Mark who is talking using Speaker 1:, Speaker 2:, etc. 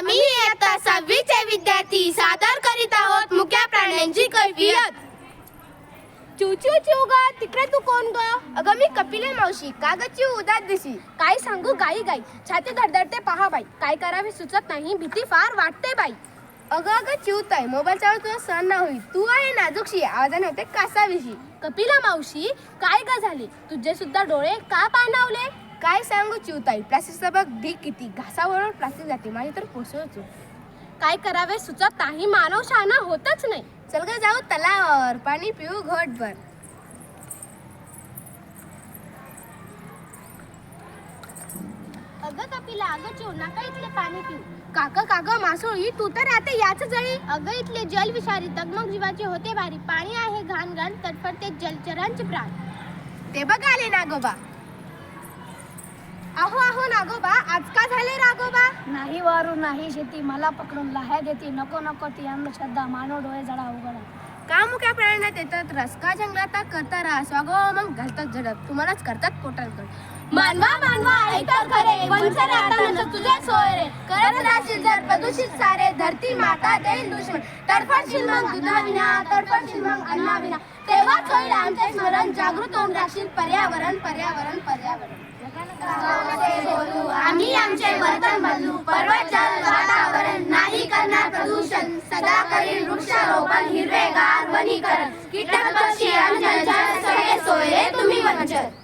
Speaker 1: आम्ही इयत्ता 6वी चे विद्यार्थी सादर करीत आहोत मुक्या प्राण्यांची कैफियत.
Speaker 2: चिव चिव चिव ग, तिकडे तू कोण ग?
Speaker 1: अगं मी कपिले मावशी. का ग चिव उदास दिशी?
Speaker 2: काय सांगू गाई गाई, छाती धडधडते पहा बाई. काय करावे सुचत नाही, भीती फार वाटते बाई.
Speaker 1: अगं चिवताय मोबाईलच्या तुझा सण ना होईल. तू आहे नाजूकशी, आवाजाने होते कासाविशी.
Speaker 2: कपिला मावशी, काय ग झाले? तुझे सुद्धा डोळे का पाणावले?
Speaker 1: काय सांगू चिवताई, प्लास्टिकचा बघ ढीक किती. घासाबरोबर प्लास्टिक जाते, माझी तर पोचवतो.
Speaker 2: काय करावे सुचत नाही, मानव शहाणा होतच नाही.
Speaker 1: चल ग जाऊ तलावावर, पाणी पिऊ घोटभर.
Speaker 2: अगं कपिला, अगं चिव, नका इथले पाणी पिऊ. काका काका मासोळी, तू तर राहते याच जळी. अगं इथले जल विषारी, दगमग जीवाचे होते भारी. पाणी आहे घाण घाण, तटफडते जलचरांचे प्राण.
Speaker 1: ते बघ आले नागोबा.
Speaker 2: अहो अहो नागोबा, आज का झाले रागोबा?
Speaker 3: नाही वारू नाही शेती, मला पकडून लहाय देती. नको नको ती अंधश्रद्धा, मानव डोळे जडा उघडा.
Speaker 1: का मुक्या प्राण्यात येतात रसका जंगलात करता रास वागो मग घालतात झडप, तुम्हालाच करतात पोटात गड.
Speaker 2: मानवा मानवा ऐका खरे, वंचन आता तुझे सोय रे.
Speaker 1: करत राहशील जर प्रदूषित सारे, धरती माता देईल दुश्मन. तडफडशील मग दुधाविना, तडफडशील मग अन्नाविना. तेव्हाच होईल आमचे स्मरण, जागृत होऊन राहशील पर्यावरण पर्यावरण पर्यावरण.
Speaker 2: आम्ही आमचे वर्तन बदलू, पर्वत जल वातावरण नाही करणार प्रदूषण. सदा करील वृक्षारोपण, हिरवेगार वनीकरण. कीटक पक्षी आणि जलचर सगळे सोय रे तुम्ही वंचन.